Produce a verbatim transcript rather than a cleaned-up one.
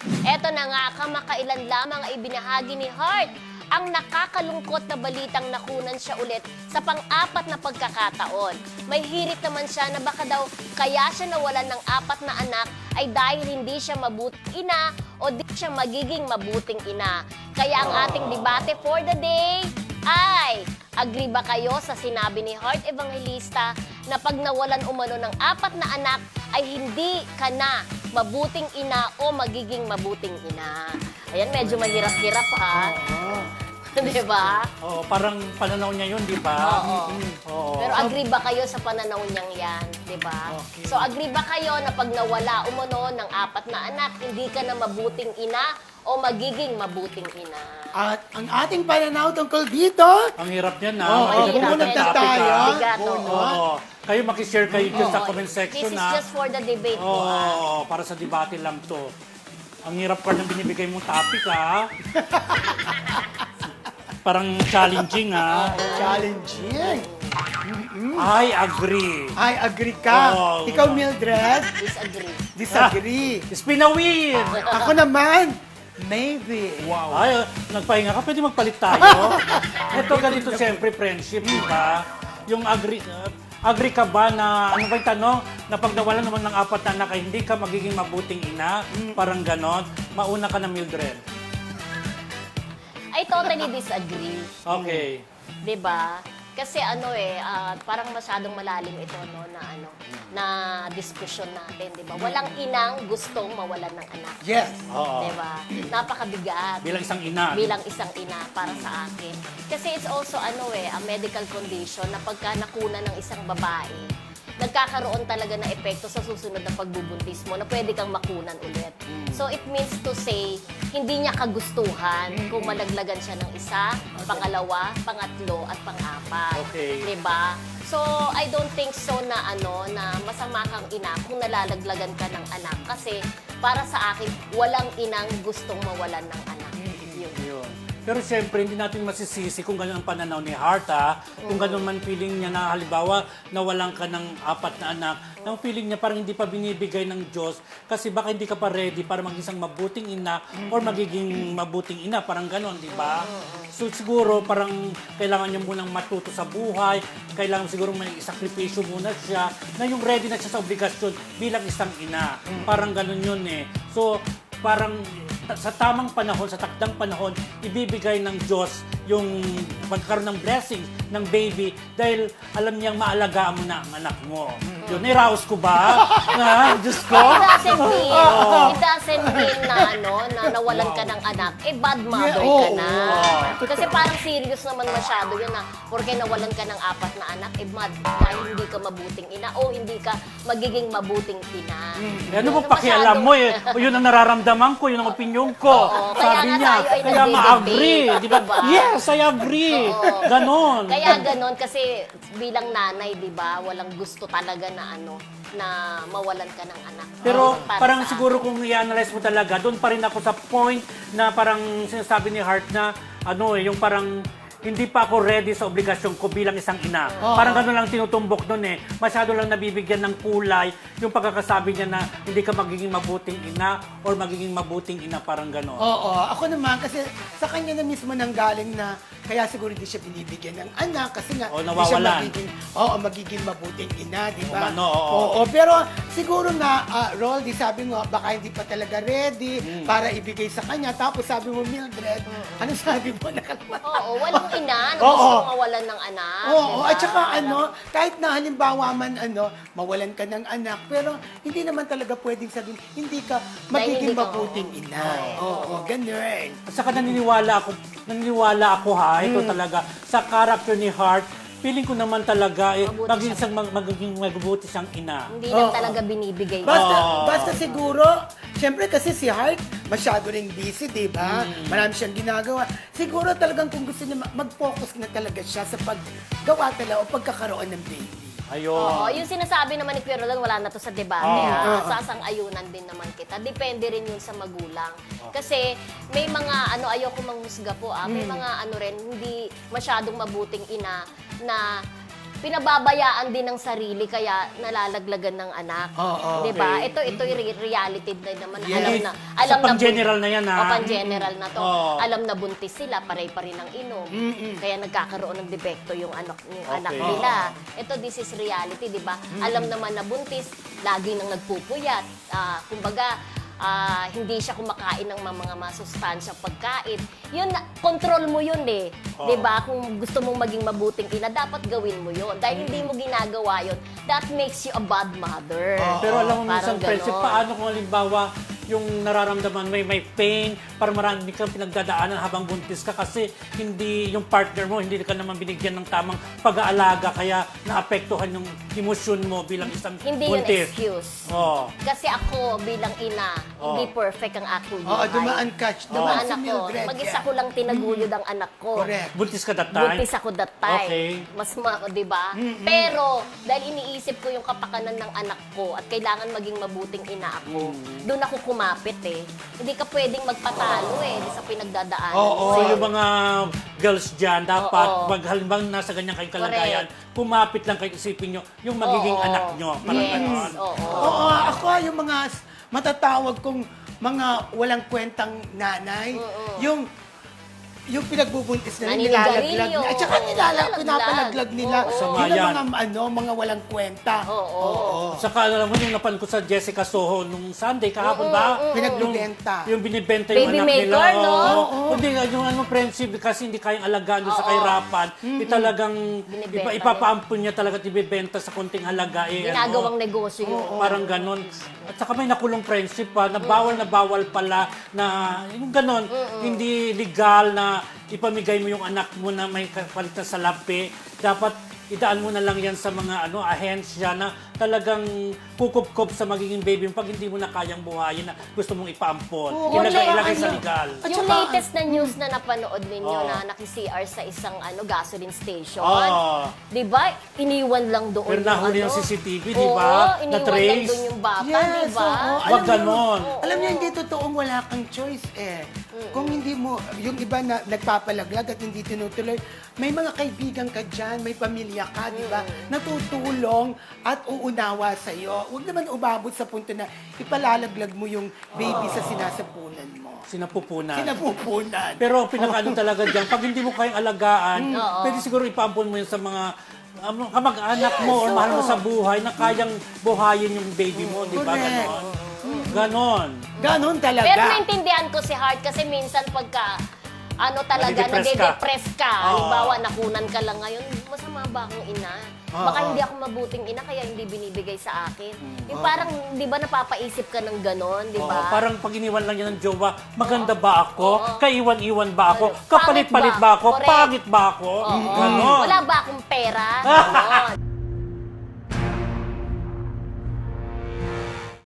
Eto na nga, kamakailan lamang ay ibinahagi ni Heart ang nakakalungkot na balitang nakunan siya ulit sa pang-apat na pagkakataon. May hirit naman siya na baka daw kaya siya nawalan ng apat na anak ay dahil hindi siya mabuting ina o di siya magiging mabuting ina. Kaya ang ating debate for the day ay, agree ba kayo sa sinabi ni Heart Evangelista na pag nawalan umano ng apat na anak ay hindi ka na mabuting ina o magiging mabuting ina? Ayan, medyo mahirap-hirap ha. Oo. Di ba? Oo, parang pananaw niya yun, di ba? Oo. Oo. Pero agree ba kayo sa pananaw niyang yan? Di ba? Okay. So agree ba kayo na pag nawala umano ng apat na anak, hindi ka na mabuting ina o magiging mabuting ina? At ang ating pananaw tungkol dito, Ang hirap niyan, ha? Oo, Mabigat hirap ang yan. topic, tayo. ha? Bigat, oo. Oo. Kayo, makishare kayo dyan sa Oo. comment section, This is ha? just for the debate po, Oo, ah. para sa debate lang to. Ang hirap pa ng binibigay mong topic, ha? Parang challenging, ha? challenging. I agree. I agree ka. Oo. Ikaw, Mildred, Disagree. disagree. It's been a win! Ako naman, maybe. Wow. Ay, nagpahinga ka, pwede magpalit tayo. Ito ganito siyempre, friendship, di ba? Yung agree, uh, agree ka ba na, ano ba yung tanong? Na pag nawalan naman ng apat na anak, ay hindi ka magiging mabuting ina? Parang ganon. Mauna ka na, Mildred. I totally disagree. Okay. 'Di ba? Kasi ano eh, ah, parang masyadong malalim ito no na ano, na diskusyon natin, 'di ba? Walang inang gustong mawalan ng anak. Yes. Oo. 'Di ba? Napakabigat. Bilang isang ina. Bilang isang ina para sa akin. Kasi it's also ano eh, a medical condition na pagka nakuna ng isang babae, nagkakaroon talaga ng epekto sa susunod na pagbubuntis mo na pwede kang makunan ulit. So it means to say, hindi niya kagustuhan kung malaglagan siya ng isa, pangalawa, pangatlo, at pang-apat. Okay. Diba? So I don't think so na ano na masama kang ina kung nalalaglagan ka ng anak. Kasi para sa akin, walang inang gustong mawalan ng anak. Yun. Yun. Pero siyempre, hindi natin masisisi kung gano'n ang pananaw ni Heart, ha? Kung gano'n man feeling niya na, halimbawa, nawalan ka ng apat na anak, ang feeling niya parang hindi pa binibigay ng Diyos kasi baka hindi ka pa ready para maging isang mabuting ina or magiging mabuting ina, parang gano'n, di ba? So siguro, parang kailangan niya munang matuto sa buhay, kailangan siguro may isakripisyo muna siya, na yung ready na siya sa obligasyon bilang isang ina. Parang gano'n yun eh. So, parang sa tamang panahon, sa takdang panahon, ibibigay ng Diyos yung magkaroon ng blessing ng baby dahil alam niyang maalagaan mo na ang anak mo. Yun, niraos ko ba? Ha? Diyos ko? It doesn't mean, it doesn't mean na ano, na nawalan ka ng anak, eh bad mother Yeah, ka oo. na. Oo. Kasi parang serious naman masyado yun na, porque nawalan ka ng apat na anak, eh bad dahil hindi ka mabuting ina o hindi ka magiging mabuting ina. Eh, ano Yun mo ang pakialam masyadong- mo eh? O yun ang nararamdaman ko, yun ang opinion ko. Oo, kaya Sabi nga niya, tayo ay kaya nagde-debate, ma-agree. Di ba? diba? Yes, I agree. Oo. Ganon. Kaya ganon kasi bilang nanay, 'di ba, walang gusto talaga na ano na mawalan ka ng anak. Pero Para parang sa siguro kung i-analyze mo talaga, doon pa rin ako sa point na parang sinasabi ni Heart na ano eh, yung parang hindi pa ako ready sa obligasyon ko bilang isang ina. Parang gano'n lang tinutumbok doon eh. Masyado lang nabibigyan ng kulay yung pagkakasabi niya na hindi ka magiging mabuting ina or magiging mabuting ina, parang gano'n. Oo, ako naman kasi sa kanya na mismo nanggaling na kaya siguro hindi siya binibigyan ng anak kasi nga O, hindi siya nawawalan. magiging, oo, magiging mabuting ina, di ba? O, ano, oo. Oo, pero siguro nga, uh, Roldy, sabi mo, baka hindi pa talaga ready Hmm. para ibigay sa kanya. Tapos sabi mo, Mildred, ano sabi mo? Nakalimutan. Oo, walang ina na Oo. gusto mawalan ng anak. Oo, diba? at saka Walang- ano, kahit na halimbawa man ano, mawalan ka ng anak, pero hindi naman talaga pwedeng sabihin, hindi ka magiging hindi ka, mabuting ina. Oo, ganun. At saka naniniwala ako, naniniwala ako ha, ito talaga, sa character ni Heart, feeling ko naman talaga, eh, Mabuti magiging siya. isang mag- magiging mabuti siyang ina. Hindi lang Oo. talaga binibigay. Basta, Oo. basta siguro, syempre kasi si Heart, masyado ring busy, di ba? Marami siyang ginagawa. Siguro talagang kung gusto niya, ma- mag-focus na talaga siya sa paggawa talaga o pagkakaroon ng baby. Ayun. Oo, yung sinasabi naman ni Pierre Roldan, wala na to sa debate. Oo. ha? Sasang-ayunan din naman kita. Depende rin yun sa magulang. Kasi may mga, ano, ayoko manghusga po, ah, may mga ano rin, hindi masyadong mabuting ina na pinababayaan din ng sarili kaya nalalaglagan ng anak. Oo, 'Di ba? okay. Ito ito re- reality din naman. Yes. Alam na Sa alam na pang-general na yan, ha? O pang-general na to. Oo. Alam na buntis sila, paray pa rin ang inom. Kaya nagkakaroon ng depekto yung anak yung Okay. anak nila. Ito this is reality, 'di ba? Alam naman na buntis, lagi nang nagpupuyat. Ah, kumbaga ah, hindi siya kumakain ng mga, mga masustansyang pagkain. Yun, na- control mo yun eh. Oo. 'Di ba? Kung gusto mong maging mabuting ina, dapat gawin mo yun. Dahil hindi mo ginagawa yun, that makes you a bad mother. Pero alam mo minsan, Parang friendship, ganon. paano kung halimbawa yung nararamdaman may may pain, para marami kang pinagdadaanan habang buntis ka kasi hindi yung partner mo, hindi ka naman binigyan ng tamang pag-aalaga kaya naapektuhan yung emosyon mo bilang isang Hindi yun buntis. excuse. Oh. Kasi ako bilang ina, Oh. hindi perfect ang aking Oo, buhay. dumaan ka. Dumaan Dumaan si ako. Mildred. Mag-isa ko lang tinaguyod ang anak ko. Correct. Buntis ka that time? Buntis ako that time. Okay. Mas ma, 'di ba? Pero dahil iniisip ko yung kapakanan ng anak ko at kailangan maging mabuting ina ako, Mm. doon ako kumapit eh. Hindi ka pwedeng magpatalo eh sa pinagdadaanan Oo. mo. So eh. yung mga girls dyan, dapat Oo. pag halimbawa nasa ganyang kayong kalagayan, pumapit lang kayo, isipin nyo yung magiging Oo. anak nyo. Parang Yes, ganon. oo. Oo, ako yung mga s- matatawag kong mga walang kwentang nanay. Yung yung pinagbubuntis nila, Naninigarilyo. nilalaglag nila. At saka nilala, Nilalaglag. pinapalaglag nila. Oo. Sama Yun ang yan. mga, ano, mga walang kwenta. Oo. Saka alam mo yung napan ko sa Jessica Soho nung Sunday, kahapon ba? Pinagbibenta. Yung, yung binibenta yung Baby anak nila. maker, no? Oo. Hindi, yung ano, friendship, kasi hindi kayang alagaan doon sa Oo. kahirapan. Eh, talagang Binibenta ipa, ipapaampun niya talaga at ibibenta sa konting halaga. Eh, Ginagawang ano, negosyo yun. parang ganon. At saka may nakulong friendship pa, na bawal na bawal pala na yung ganon, hindi legal na ipamigay mo yung anak mo na may kapalit na salapi. Dapat idaan mo na lang yan sa mga ano ahensya na talagang kukup-kup sa magiging baby mo pag hindi mo na kayang buhayin na gusto mong ipaampon. Oo, Ilagay, wala, ilagay sa ano. legal. At Yung saka- latest na news na napanood ninyo Oo. na naki-C R sa isang ano gasoline station. Oo. 'Di ba? Iniwan lang doon Pero nahuli yung yung ano. C C T V, di Oo, ba? iniwan lang Na-trace. doon yung bata, Yes, 'di ba? oo. Wag Alam niyo- ganon. Alam niyo, hindi totoong wala kang choice eh. Kung hindi mo, yung iba na nagpapalaglag at hindi tinutuloy, may mga kaibigan ka dyan, may pamilya ka, di ba? Natutulong at uunawa sa'yo. Huwag naman umabot sa punto na ipalalaglag mo yung baby sa sinasapunan mo. Sinapupunan. Sinapupunan. Pero pinakaano talaga dyan, pag hindi mo kayang alagaan, Oo. pwede siguro ipaampon mo yun sa mga um, kamag-anak mo Yes, o mahal mo oo. sa buhay na kayang buhayin yung baby mo, di ba? Correct. Ganon. Ganon. Ganon talaga. Pero naintindihan ko si Heart kasi minsan pagka ano talaga, Nade-depress ka. nade-depress ka. Oo. Halimbawa, nakunan ka lang ngayon, masama ba akong ina? Oo. Baka hindi ako mabuting ina kaya hindi binibigay sa akin. Yung parang, di ba napapaisip ka ng ganon, di Oo, ba? parang pag iniwan lang yan ng jowa, maganda ba ako? Oo. Kaiwan-iwan ba ako? Ano, Kapalit-palit pangit ba? ba ako? Correct. Pangit ba ako? Oo. Ganon. Wala ba akong pera? Ganon.